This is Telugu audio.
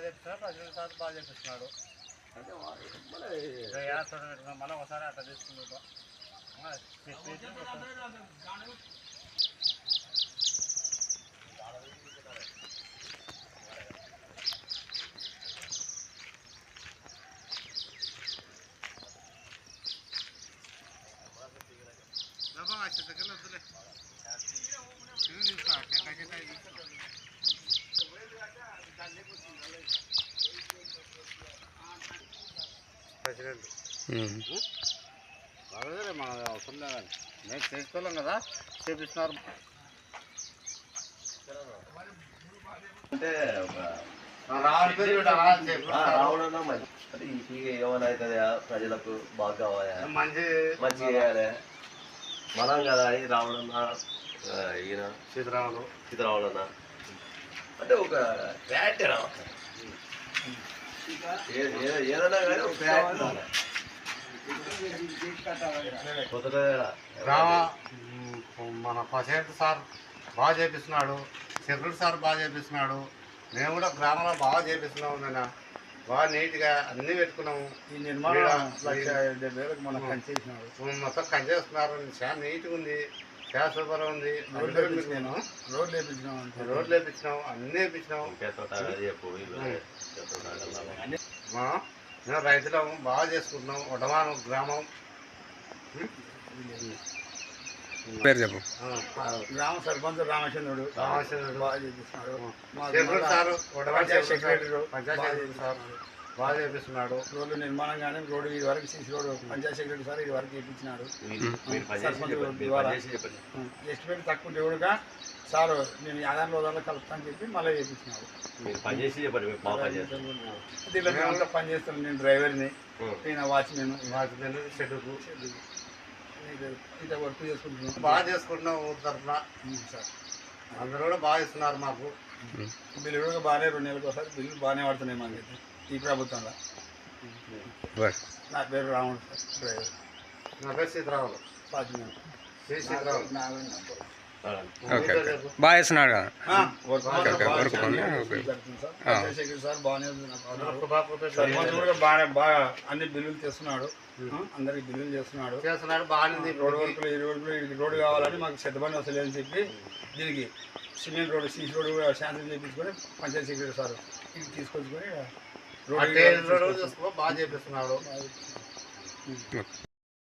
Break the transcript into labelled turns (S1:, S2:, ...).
S1: చెప్తున్నాడు, ప్రజలు సార్ బాగా చెప్పిస్తున్నాడు. మళ్ళీ ఒకసారి అట్లా తీసుకుంటాం. దగ్గర వద్దులే మన అవసరం లేదండి, మేము చేసుకోలేం కదా, చేపిస్తున్నారు.
S2: అంటే
S1: రావడం
S2: మంచి ఏమైనా అవుతుందా, ప్రజలకు బాగా కావాలా, మంచి చేయాలి మనం కదా అని రావడన్నా ఈయన సీతారాములన్నా అంటే ఒక ఫ్యాక్ట్ ఏదన్నా కానీ ఒక ఫ్యాక్ట్
S1: మన పసేంట్ సార్ బాగా చేపిస్తున్నాడు, సెక్యూరిటీ సార్ బాగా చేపిస్తున్నాడు. మేము కూడా గ్రామంలో బాగా చేపిస్తున్నాము. నేను బాగా నీట్గా అన్నీ పెట్టుకున్నాము.
S3: ఈ నిర్మాణం 1,70,000 మనం పనిచేసినాడు,
S1: మొత్తం పనిచేస్తున్నారు. చాలా నీట్గా ఉంది, చాలా సూపర్గా ఉంది. రోడ్లు వేపించినాము, అన్నీ వేపించినాము. మేము రైతులము బాగా చేసుకుంటున్నాం. వడమానం గ్రామం
S4: పేరు చెప్పు.
S3: గ్రామ సర్పంచ్ రామచంద్రుడు బాగా చేపిస్తున్నాడు.
S1: పంచాయతీ సార్ బాగా చేపిస్తున్నాడు.
S3: రోడ్లు నిర్మాణం కానీ రోడ్డు ఇది వరకు సీసీ రోడ్డు పంచాయతీ సెక్రటరీ సార్ ఇది వరకు చేయించినాడు. ఎస్టిమేట్ తక్కువ దేవుడుగా సార్ నేను 50 రోజుల్లో కలుపుతాను చెప్పి మళ్ళీ చేయించినాడు. దీంట్లో మేమంతా పని చేస్తాను. నేను డ్రైవర్ని, నేను వాచ్మెన్
S1: షెడ్యూకు
S3: ఇంత వర్క్ చేసుకుంటున్నాను.
S1: బాగా చేసుకుంటున్నాం. ఊరి తరఫున సార్ అందరూ కూడా బాగా ఇస్తున్నారు మాకు.
S3: బిల్లు కూడా బాగానే 2 నెలలకు ఒకసారి బిల్లు బాగానే పడుతున్నాయి మాకైతే ఈ ప్రభుత్వంలో. నా పేరు రాముడు సార్, డ్రైవర్.
S1: నా పేరు సీతారాములు,
S3: వాచ్మెన్.
S4: బాగా చేస్తున్నాడు కదా.
S3: సార్ బాగానే బాగా అన్ని బిల్లులు తెస్తున్నాడు, అందరికి బిల్లులు చేస్తున్నాడు.
S1: బాగానే
S3: రోడ్డు వర్కులు, ఈ రోడ్డు కావాలని మాకు చెత్తబండి వస్తలే అని చెప్పి దీనికి సిమెంట్ రోడ్డు, సీసీ రోడ్డు కూడా శాంక్షన్ చేయించుకొని పంచాయతీ సెక్రటరీ సార్ ఇది తీసుకొచ్చుకొని
S1: రోడ్డు బాగా చేపిస్తున్నాడు.